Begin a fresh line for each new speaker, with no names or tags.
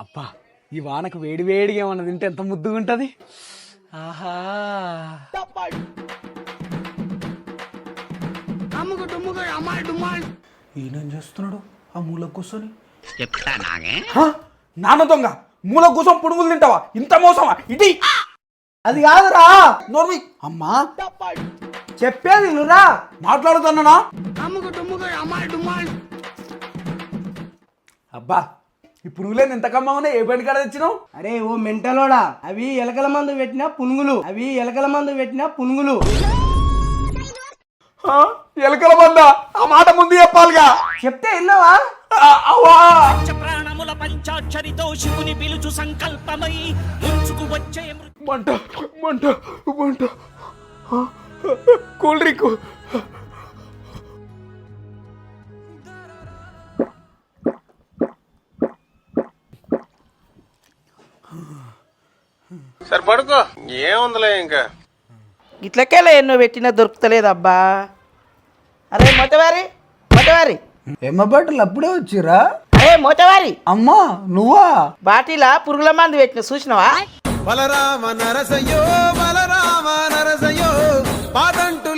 అబ్బా ఈ వానకు వేడి వేడిగా ఏమన్నా తింటే ఎంత ముద్దుగా ఉంటది. ఆహా ఈయనేం చేస్తున్నాడు ఆ మూల కూర్చొని? నాన్న దొంగ మూల కూర్చొని పునుగులు తింటావా? ఇంత మోసమా ఇది?
అది కాదురా
నోర్మి అమ్మా
చెప్పేది నువ్వురా.
మాట్లాడుతున్నానా? అబ్బా ఈ పునుగులేని ఎంత కమ్మగా ఉన్నాయి. ఏ బండి కాడ తెచ్చినావు?
అరే ఓ మెంటలోడా, అవి ఎలకల మందు పెట్టిన పునుగులు.
ఎలకల మందా? ఆ మాట ముందు చెప్పాలిగా.
చెప్తే విన్నావా?
అవ్వా
ప్రాణముల పంచాక్షరితో శివుని పిలుచు సంకల్పమై ముంచుకు వచ్చే
మంట మంట మంట కూల్ డ్రింక్.
సరే పడుకో, ఏముందిలే ఇంకా.
ఇట్లకేలా ఎన్నో పెట్టినా దొరుకుతలేదబ్బా. అరే మొత్తవారి
ఎమ్మ బట్టలు అప్పుడే వచ్చిరా?
అరే మొత్తవారి
అమ్మా నువ్వా?
బాటిలా పురుగుల మందు పెట్టిన చూసినవా?
బలరామ నరసయ్యో పాదంటూ